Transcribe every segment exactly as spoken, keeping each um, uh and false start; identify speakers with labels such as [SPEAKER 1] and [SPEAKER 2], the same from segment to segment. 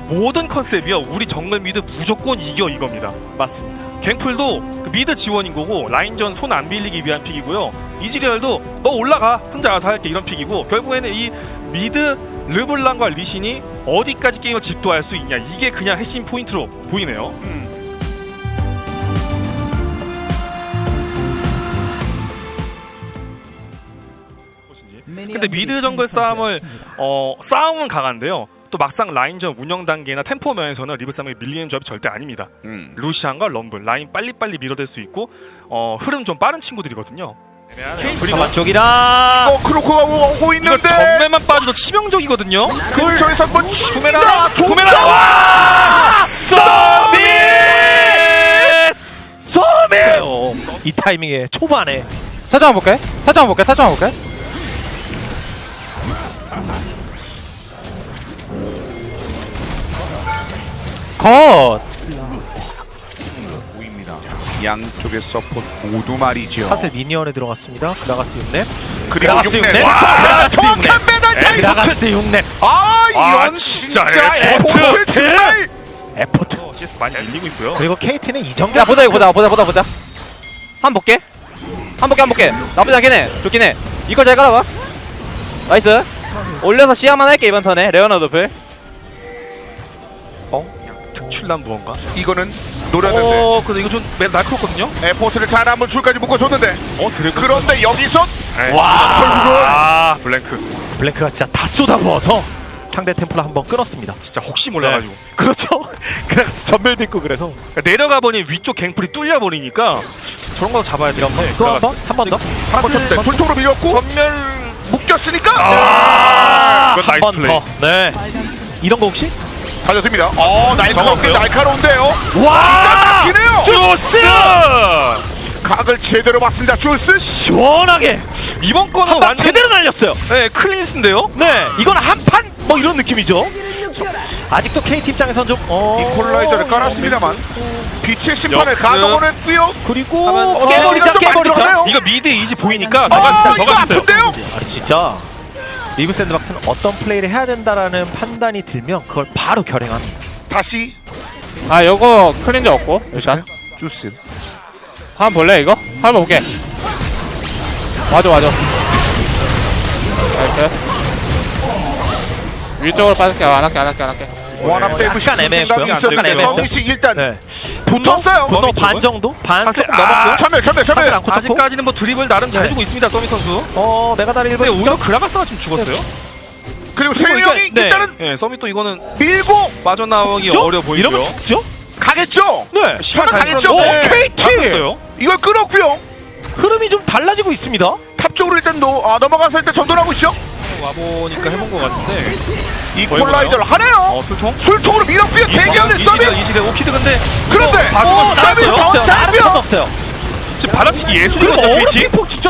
[SPEAKER 1] 모든 컨셉이요. 우리 정글 미드 무조건 이겨 이겁니다.
[SPEAKER 2] 맞습니다.
[SPEAKER 1] 갱플도 그 미드 지원인 거고 라인전 손 안 빌리기 위한 픽이고요. 이즈리얼도 너 올라가 혼자 알아서 할게 이런 픽이고 결국에는 이 미드 르블랑과 리신이 어디까지 게임을 집도할 수 있냐 이게 그냥 핵심 포인트로 보이네요.
[SPEAKER 3] 음.
[SPEAKER 1] 근데 미드 정글 싸움을 어 싸움은 강한데요. 또 막상 라인전 운영 단계나 템포 면에서는 리브 싸움이 밀리는 조합이 절대 아닙니다.
[SPEAKER 3] 음.
[SPEAKER 1] 루시안과 럼블 라인 빨리빨리 밀어댈 수 있고 어 흐름 좀 빠른 친구들이거든요. 그리고
[SPEAKER 2] 저만 쪽이라.
[SPEAKER 3] 어 크로코가 오고
[SPEAKER 1] 이거
[SPEAKER 3] 있는데
[SPEAKER 1] 전매만 빠져도 치명적이거든요.
[SPEAKER 3] 근처에서 한번
[SPEAKER 1] 구메라
[SPEAKER 3] 칩니다.
[SPEAKER 1] 구메라 와 서밋
[SPEAKER 2] 서밋! 이 타이밍에 초반에
[SPEAKER 4] 살짝 한번 볼게. 살짝 한번 볼게. 살짝 한번 볼게. 컷.
[SPEAKER 3] 보입니다. 양쪽의 서포트 모두 말이죠.
[SPEAKER 2] 사슬 미니언에 들어갔습니다. 그라가스 육 렙.
[SPEAKER 3] 그리고
[SPEAKER 2] 그라가스
[SPEAKER 3] 육 렙.
[SPEAKER 2] 육 렙.
[SPEAKER 3] 와,
[SPEAKER 2] 그라가스
[SPEAKER 3] 정확한
[SPEAKER 2] 육 렙.
[SPEAKER 3] 배달 타임.
[SPEAKER 2] 그라가스 육 렙.
[SPEAKER 3] 아 이런
[SPEAKER 1] 아,
[SPEAKER 3] 진짜,
[SPEAKER 1] 진짜
[SPEAKER 3] 에포트
[SPEAKER 1] 에포트.
[SPEAKER 3] 정말.
[SPEAKER 2] 에포트.
[SPEAKER 1] 어, 씨에스 많이 밀리고 있고요.
[SPEAKER 2] 그리고 케이티는 이 정도.
[SPEAKER 4] 야 보자 이거 보자 보자 보자 보자. 한 번 볼게. 한 볼게 한 볼게. 나쁘지 않긴 해. 좋긴 해. 이걸 잘 깔아봐. 나이스. 올려서 시야만 할게 이번 턴에. 레오나 도플.
[SPEAKER 1] 특출난 무언가.
[SPEAKER 3] 이거는 노렸는데
[SPEAKER 1] 어 근데 이거 좀 매- 날카롭거든요.
[SPEAKER 3] 에포트를 잘 한번 줄까지 묶어줬는데
[SPEAKER 1] 어 드래곤.
[SPEAKER 3] 그런데 여기서
[SPEAKER 1] 와
[SPEAKER 3] 결국은
[SPEAKER 1] 아 블랭크
[SPEAKER 2] 블랭크가 진짜 다 쏟아부어서 상대 템플러 한번 끊었습니다.
[SPEAKER 1] 진짜 혹시 몰라가지고.
[SPEAKER 2] 그렇죠. 그라가스 전멸도 있고 그래서
[SPEAKER 1] 그러니까 내려가 보니 위쪽 갱플이 뚫려 버리니까 저런 거 잡아야 되는데.
[SPEAKER 2] 또 한 번? 한 번 더?
[SPEAKER 3] 한번 쳤대 불통으로 밀렸고
[SPEAKER 1] 전멸.
[SPEAKER 3] 묶였으니까
[SPEAKER 1] 아,
[SPEAKER 2] 한 번 더. 네. 이런 거 혹시?
[SPEAKER 3] 달려듭니다. 어 날카롭게
[SPEAKER 1] 정확해요.
[SPEAKER 3] 날카로운데요.
[SPEAKER 2] 와!
[SPEAKER 3] 막히네요.
[SPEAKER 1] 주스.
[SPEAKER 3] 각을 제대로 봤습니다. 주스.
[SPEAKER 2] 시원하게
[SPEAKER 1] 이번 거는
[SPEAKER 2] 한방
[SPEAKER 1] 완전
[SPEAKER 2] 제대로 날렸어요.
[SPEAKER 1] 네 클린스인데요.
[SPEAKER 2] 네, 이건 한판 뭐 이런 느낌이죠. 아직도 케이티 입장에선 좀 어...
[SPEAKER 3] 이퀄라이저를 깔았습니다만 빛의 심판을
[SPEAKER 1] 역습.
[SPEAKER 3] 가동을 했고요.
[SPEAKER 2] 그리고
[SPEAKER 1] 하면서
[SPEAKER 2] 깨버리자
[SPEAKER 3] 좀 많이
[SPEAKER 2] 깨버리자.
[SPEAKER 3] 들어가네요.
[SPEAKER 1] 이거 미드 이지 보이니까 더
[SPEAKER 3] 아
[SPEAKER 1] 가주세요. 더
[SPEAKER 3] 이거
[SPEAKER 1] 가주세요.
[SPEAKER 3] 아픈데요.
[SPEAKER 2] 아니 진짜 리브 샌드박스는 어떤 플레이를 해야 된다라는 판단이 들면 그걸 바로 결행합니다.
[SPEAKER 3] 다시
[SPEAKER 4] 아 요거 클린저 없고 일단.
[SPEAKER 3] 주스.
[SPEAKER 4] 한번 볼래 이거? 한번 볼게. 맞아 맞아. 나이스. 위쪽으로 빠질게. 안 할게 안 할게 안 할게.
[SPEAKER 3] 원합 빼고
[SPEAKER 2] 약간
[SPEAKER 3] 싶은
[SPEAKER 2] 애매했고요.
[SPEAKER 3] 생각이
[SPEAKER 2] 약간
[SPEAKER 3] 있었는데
[SPEAKER 2] 애매했어요.
[SPEAKER 3] 성희씨 일단
[SPEAKER 2] 네.
[SPEAKER 3] 붙었어요.
[SPEAKER 2] 분노 반 정도? 반
[SPEAKER 1] 사슬-
[SPEAKER 2] 조금
[SPEAKER 1] 아,
[SPEAKER 2] 넘었고요.
[SPEAKER 3] 참여 참여 참여.
[SPEAKER 2] 사슬 않고 쳤고.
[SPEAKER 1] 아직까지는 뭐 드립을 나름 잘
[SPEAKER 2] 네.
[SPEAKER 1] 주고 있습니다. 서미 선수.
[SPEAKER 2] 어 메가다리
[SPEAKER 1] 근데
[SPEAKER 2] 일본
[SPEAKER 1] 오히려 그라가스가 좀 죽었어요.
[SPEAKER 3] 그리고 세
[SPEAKER 2] 그리고
[SPEAKER 3] 명이
[SPEAKER 2] 일단- 네.
[SPEAKER 3] 일단은
[SPEAKER 1] 예, 서미 또 이거는
[SPEAKER 3] 밀고
[SPEAKER 1] 빠져나오기
[SPEAKER 2] 죽죠?
[SPEAKER 1] 어려 보이고요.
[SPEAKER 2] 이러면 죽죠?
[SPEAKER 3] 가겠죠.
[SPEAKER 2] 네.
[SPEAKER 1] 시간
[SPEAKER 3] 저는
[SPEAKER 1] 잘
[SPEAKER 3] 가겠죠.
[SPEAKER 1] 끌었는데
[SPEAKER 3] 네.
[SPEAKER 2] 케이티
[SPEAKER 1] 잡혔어요.
[SPEAKER 3] 이걸 끊었고요.
[SPEAKER 2] 흐름이 좀 달라지고 있습니다.
[SPEAKER 3] 탑 쪽으로 일단 노, 아, 넘어가서 일단 전도하고 있죠.
[SPEAKER 1] 와보니까 해본 것 같은데.
[SPEAKER 3] 이퀄라이저를 하네요.
[SPEAKER 1] 어 술통.
[SPEAKER 3] 술통으로 밀었고요. 대기하는 서밋.
[SPEAKER 1] 이시대 오피드 근데
[SPEAKER 3] 그런데
[SPEAKER 1] 봐주면
[SPEAKER 3] 어, 서밋
[SPEAKER 1] 나왔어요.
[SPEAKER 3] 저
[SPEAKER 2] 다른
[SPEAKER 3] 잡혀.
[SPEAKER 2] 건 없어요.
[SPEAKER 1] 지금 받아치기
[SPEAKER 2] 그리고
[SPEAKER 1] 예술이거든요.
[SPEAKER 2] 어그로
[SPEAKER 1] 케이티.
[SPEAKER 2] 핑퐁 진짜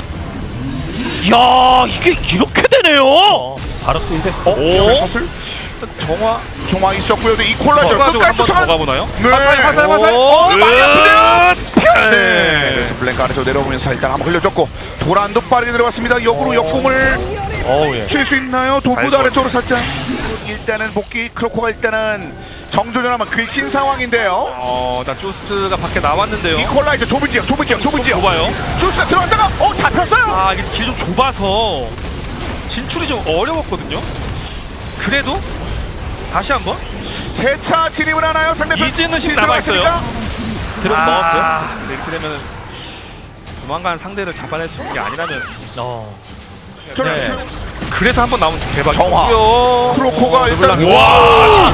[SPEAKER 2] 이야 이게 이렇게 되네요. 바로스 일 대스.
[SPEAKER 3] 어?
[SPEAKER 1] 오.
[SPEAKER 3] 사슬?
[SPEAKER 1] 정화.
[SPEAKER 3] 정화 있었고요. 근데 이퀄라이저
[SPEAKER 1] 가지고
[SPEAKER 3] 끝까지
[SPEAKER 1] 한번 더
[SPEAKER 3] 쫓아가.
[SPEAKER 1] 가보나요?
[SPEAKER 3] 네.
[SPEAKER 1] 화살 화살 화살.
[SPEAKER 3] 어, 많이 아픈데요. 네.
[SPEAKER 1] 네.
[SPEAKER 3] 그래서 블랭크 아래서 내려오면서 일단 한번 흘려줬고 도란도 빠르게 들어갔습니다. 역으로 역공을
[SPEAKER 2] 어우 예.
[SPEAKER 3] 칠 수 있나요? 도구도
[SPEAKER 1] 잘
[SPEAKER 3] 아래쪽으로 살짝. 일단은 복귀 크로코가 일단은 정조전하면 긁힌 상황인데요.
[SPEAKER 1] 어, 나 주스가 밖에 나왔는데요.
[SPEAKER 3] 이퀄라이저 좁은 지역, 좁은 지역, 좁은 지역.
[SPEAKER 1] 좁아요.
[SPEAKER 3] 주스가 들어갔다가 어 잡혔어요.
[SPEAKER 1] 아, 이게 길이 좀 좁아서 진출이 좀 어려웠거든요. 그래도 다시 한번
[SPEAKER 3] 재차 진입을 하나요? 상대편
[SPEAKER 1] 이즈는 힘
[SPEAKER 3] 힐
[SPEAKER 1] 남아있어요.
[SPEAKER 3] 들어갔으니까?
[SPEAKER 2] 들어 넣었죠.
[SPEAKER 1] 아, 근데 이렇게 되면은 조만간 상대를 잡아낼 수 있는 게 아니라면
[SPEAKER 2] 어.
[SPEAKER 3] 저는
[SPEAKER 2] 네.
[SPEAKER 1] 그래서 한번 나오면 대박이고요.
[SPEAKER 3] 정화. 크로코가 일단
[SPEAKER 1] 와,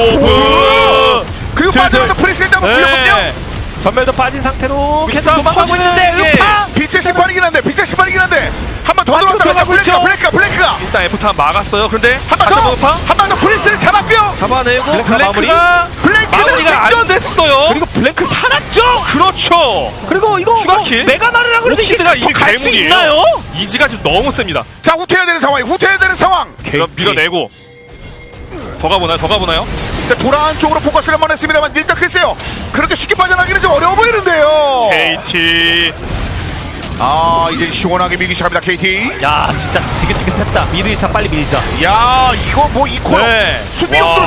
[SPEAKER 1] 호브.
[SPEAKER 3] 그리고
[SPEAKER 2] 슬슬.
[SPEAKER 3] 빠져나가 프리스 일단 한번 굴렸거든요.
[SPEAKER 2] 네. 전멸도 빠진 상태로 계속
[SPEAKER 1] 싸움
[SPEAKER 2] 도망가고
[SPEAKER 1] 터지는
[SPEAKER 2] 있는데
[SPEAKER 1] 게
[SPEAKER 2] 음파.
[SPEAKER 3] 빛의 심판이긴 한데 빛의 심판이긴 한데 한 번 더
[SPEAKER 2] 아,
[SPEAKER 3] 들어갔다가
[SPEAKER 2] 들어가고
[SPEAKER 3] 블랭크가
[SPEAKER 2] 있죠.
[SPEAKER 3] 블랭크가 블랭크가
[SPEAKER 1] 일단 에프타 막았어요. 그런데
[SPEAKER 3] 한 번
[SPEAKER 1] 다시
[SPEAKER 3] 더!
[SPEAKER 1] 한번 파
[SPEAKER 3] 한 번 더 프리스를 잡았고요.
[SPEAKER 1] 잡아내고
[SPEAKER 2] 블랭크가
[SPEAKER 1] 블랭크가
[SPEAKER 3] 블랭크는
[SPEAKER 1] 마무리가 안
[SPEAKER 3] 생존!
[SPEAKER 1] 됐어요.
[SPEAKER 2] 그리고 블랭크 살았죠.
[SPEAKER 1] 그렇죠.
[SPEAKER 2] 그리고 이거
[SPEAKER 1] 추가
[SPEAKER 2] 뭐
[SPEAKER 1] 킬?
[SPEAKER 2] 메가나르라 그래도 이게
[SPEAKER 1] 오피드가 이미
[SPEAKER 2] 갈수
[SPEAKER 1] 괴물이에요.
[SPEAKER 2] 있나요?
[SPEAKER 1] 이지가 지금 너무 셉니다.
[SPEAKER 3] 자 후퇴해야 되는 상황이 후퇴해야 되는 상황.
[SPEAKER 1] 밀어, 밀어내고 더 가보나요? 더 가보나요?
[SPEAKER 3] 근데 돌아온 쪽으로 포커스를 한번 했습니다만 일단 글쎄요 그렇게 쉽게 빠져나기는 좀 어려워 보이는데요.
[SPEAKER 1] 케이티
[SPEAKER 3] 아 이제 시원하게 밀기 시작합니다. 케이티.
[SPEAKER 2] 야 진짜 지긋지긋했다. 미드 일 차 빨리 밀자.
[SPEAKER 3] 야 이거 뭐 이퀄
[SPEAKER 2] 네.
[SPEAKER 3] 수비용도로 쓸 수밖에 없어요.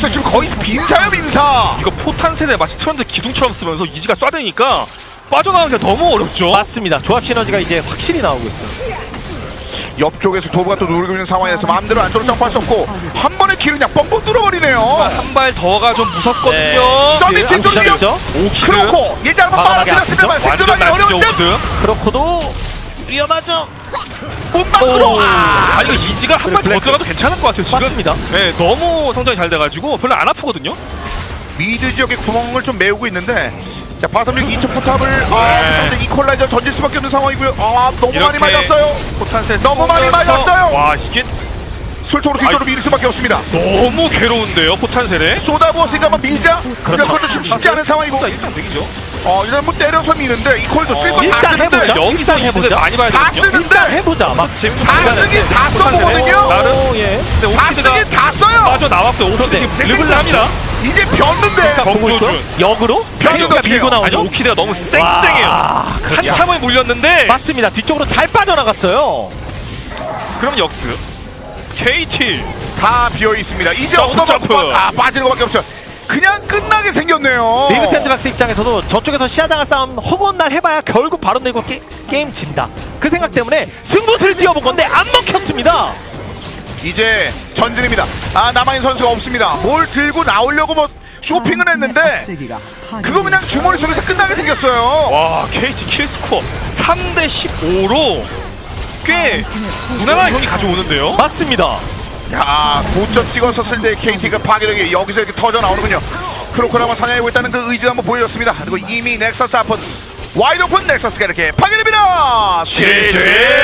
[SPEAKER 3] 없어요. 지금 거의 빈사야 빈사.
[SPEAKER 1] 이거 포탄 세대 마치 트런드 기둥처럼 쓰면서 이지가 쏴대니까 빠져나가기가 너무 어렵죠.
[SPEAKER 2] 맞습니다. 조합 시너지가 이제 확실히 나오고 있어요.
[SPEAKER 3] 옆쪽에서 도브가 또 누르고 있는 상황에서 마음대로 안쪽으로 점프할 수 없고 한 번에 길을 그냥 뻥뻥 뚫어버리네요.
[SPEAKER 1] 한 발 더가 좀 무섭거든요.
[SPEAKER 2] 네.
[SPEAKER 3] 서비스 좀 위험.
[SPEAKER 2] 죠
[SPEAKER 1] 오키드
[SPEAKER 3] 크로코 일단 한번
[SPEAKER 2] 과감하게
[SPEAKER 3] 빨아들였습니다만
[SPEAKER 1] 완전
[SPEAKER 3] 생존하기
[SPEAKER 1] 날뛰죠
[SPEAKER 3] 어려운데
[SPEAKER 1] 오키드.
[SPEAKER 2] 크로코도 위험하죠.
[SPEAKER 3] 문방으로 아,
[SPEAKER 1] 아 이거 이지가 한 발 더
[SPEAKER 2] 블랙.
[SPEAKER 1] 들어가도 괜찮을 것 같아요 지금.
[SPEAKER 2] 맞습니다.
[SPEAKER 1] 네, 너무 성장이 잘 돼가지고 별로 안 아프거든요.
[SPEAKER 3] 미드 지역에 구멍을 좀 메우고 있는데 자 바텀 이 초 포탑을 아
[SPEAKER 1] 네.
[SPEAKER 3] 근데 이퀄라이저 던질 수밖에 없는 상황이고요. 아 너무 많이
[SPEAKER 1] 이렇게
[SPEAKER 3] 맞았어요.
[SPEAKER 1] 포탄 세대
[SPEAKER 3] 너무 많이 맞았어요.
[SPEAKER 1] 와 이게
[SPEAKER 3] 술토로 뒤쪽으로
[SPEAKER 1] 아이.
[SPEAKER 3] 밀 수밖에 없습니다.
[SPEAKER 1] 너무 괴로운데요 포탄 세대.
[SPEAKER 3] 쏟아부었으니까 한번 밀자. 그러니까 그것도 좀 쉽지 않은 상황이고
[SPEAKER 1] 자 일단 백이죠.
[SPEAKER 3] 어 일단 뭐 때려서 미는데 이퀄도 쓸 거 다
[SPEAKER 2] 일단
[SPEAKER 3] 쓰는데
[SPEAKER 2] 해보자.
[SPEAKER 1] 여기서
[SPEAKER 2] 일단
[SPEAKER 1] 이득을
[SPEAKER 2] 해보자.
[SPEAKER 1] 많이 봐야
[SPEAKER 3] 다
[SPEAKER 1] 되거든요.
[SPEAKER 3] 쓰는데
[SPEAKER 2] 해보자. 막
[SPEAKER 1] 재밌는
[SPEAKER 3] 다
[SPEAKER 1] 순간에
[SPEAKER 3] 쓰긴 다
[SPEAKER 1] 포탄 세대.
[SPEAKER 3] 써보거든요.
[SPEAKER 1] 나름
[SPEAKER 2] 오, 예.
[SPEAKER 1] 근데
[SPEAKER 3] 다
[SPEAKER 1] 오키드가
[SPEAKER 3] 쓰긴 다 써요.
[SPEAKER 1] 빠져 나왔고요. 오키드 지금 르블라 합니다.
[SPEAKER 3] 이제 변는데
[SPEAKER 2] 보고 있어?
[SPEAKER 1] 정조준.
[SPEAKER 2] 역으로
[SPEAKER 3] 변이도
[SPEAKER 2] 그러니까 밀고
[SPEAKER 3] 피해요.
[SPEAKER 1] 아니
[SPEAKER 2] 나오죠.
[SPEAKER 1] 오키드가 너무 쌩쌩해요.
[SPEAKER 2] 와, 그렇죠.
[SPEAKER 1] 한참을 물렸는데
[SPEAKER 2] 맞습니다. 뒤쪽으로 잘 빠져나갔어요.
[SPEAKER 1] 그럼 역스 케이티
[SPEAKER 3] 다 비어 있습니다. 이제
[SPEAKER 1] 점프,
[SPEAKER 3] 얻어맞고
[SPEAKER 1] 점프.
[SPEAKER 3] 빠- 아 빠지는 것밖에 없죠. 그냥 끝나게 생겼네요.
[SPEAKER 2] 리브 샌드박스 입장에서도 저쪽에서 시야장을 싸움 허구한 날 해봐야 결국 바로 내고 게, 게임 진다. 그 생각 때문에 승부수를 띄워본 건데 안 먹혔습니다.
[SPEAKER 3] 이제 전진입니다. 아 남아있는 선수가 없습니다. 뭘 들고 나오려고 뭐 쇼핑을 했는데 그거 그냥 주머니 속에서 끝나게 생겼어요.
[SPEAKER 1] 와 케이티 킬스코어 삼 대 십오로 꽤 무난한 경기 가져오는데요.
[SPEAKER 2] 맞습니다.
[SPEAKER 3] 야 고점 찍었었을 때 케이티가 파괴력이 여기서 이렇게 터져 나오는군요. 크로코를 한번 사냥하고 있다는 그 의지를 한번 보여줬습니다. 그리고 이미 넥서스 앞은 와이드 오픈 넥서스가 이렇게 파괴됩니다.
[SPEAKER 1] 제제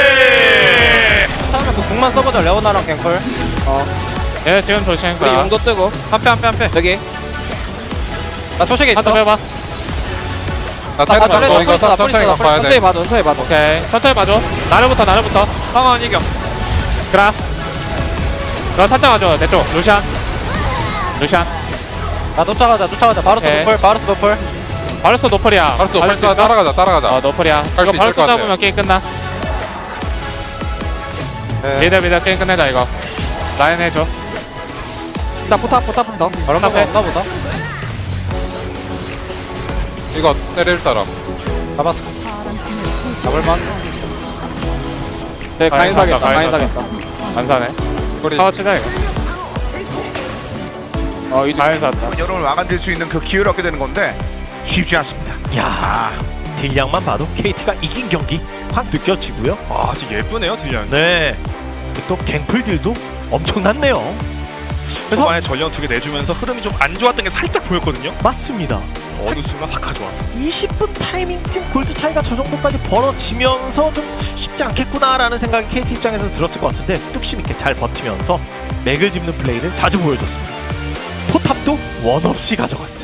[SPEAKER 4] 처음에 그 궁만 써보자. 레오나랑 갱콜. 어.
[SPEAKER 5] 예, 지금 조심.
[SPEAKER 4] 우리 용도 뜨고. 한패 한패 한패. 여기. 나 초식에 있어.
[SPEAKER 5] 하트 해봐. 나
[SPEAKER 4] 아,
[SPEAKER 5] 테드
[SPEAKER 4] 나
[SPEAKER 5] 맞고 이거
[SPEAKER 4] 나
[SPEAKER 5] 천천히
[SPEAKER 4] 나
[SPEAKER 5] 가봐야
[SPEAKER 4] 천천히
[SPEAKER 5] 돼.
[SPEAKER 4] 봐줘. 천천히 봐줘.
[SPEAKER 5] 오케이. 천천히 봐줘. 나를부터, 나를부터.
[SPEAKER 4] 상황 이겨.
[SPEAKER 5] 그라. 너 살짝 와줘. 내 쪽. 루시안. 루시안.
[SPEAKER 4] 나 쫓아가자. 쫓아가자. 바로
[SPEAKER 5] 오케이.
[SPEAKER 4] 노플. 바로 노플.
[SPEAKER 5] 바르스 노플이야.
[SPEAKER 6] 바로 또
[SPEAKER 5] 바르스
[SPEAKER 6] 따- 따라가자 따라가자.
[SPEAKER 5] 어, 노플이야.
[SPEAKER 6] 갈
[SPEAKER 5] 이거
[SPEAKER 6] 수
[SPEAKER 5] 바르스
[SPEAKER 6] 있을 것 같아.
[SPEAKER 5] 잡으면 게임 끝나.
[SPEAKER 6] 네.
[SPEAKER 5] 미드 미드 게임 끝내자 이거. 라인 해줘.
[SPEAKER 4] 나 포탑 포탑 더.
[SPEAKER 5] 바로
[SPEAKER 4] 포탑
[SPEAKER 5] 앞에.
[SPEAKER 4] 없나 보다.
[SPEAKER 6] 이거 때릴 사람.
[SPEAKER 4] 잡았어. 잡을만. 네,
[SPEAKER 5] 가인
[SPEAKER 4] 가인 사겠다.
[SPEAKER 5] 사겠다,
[SPEAKER 4] 가인
[SPEAKER 5] 가인
[SPEAKER 4] 사겠다.
[SPEAKER 5] 안 사네.
[SPEAKER 6] 꼬리.
[SPEAKER 5] 타워 치자 이거. 어 이제 잘 샀다.
[SPEAKER 3] 여러분을 마감될 수 있는 그 기회를 얻게 되는 건데 쉽지 않습니다.
[SPEAKER 2] 야 딜량만 봐도 케이티가 이긴 경기 확 느껴지고요.
[SPEAKER 1] 아 진짜 예쁘네요 딜량.
[SPEAKER 2] 네. 또 갱플 딜도 엄청났네요. 그래서
[SPEAKER 1] 초반에 전령 두 개 내주면서 흐름이 좀 안 좋았던 게 살짝 보였거든요.
[SPEAKER 2] 맞습니다.
[SPEAKER 1] 어느 순간 확 가져와서
[SPEAKER 2] 이십 분 타이밍쯤 골드 차이가 저 정도까지 벌어지면서 좀 쉽지 않겠구나라는 생각이 케이티 입장에서 들었을 것 같은데 뚝심 있게 잘 버티면서 맥을 짚는 플레이를 자주 보여줬습니다. 포탑도 원 없이 가져갔어요.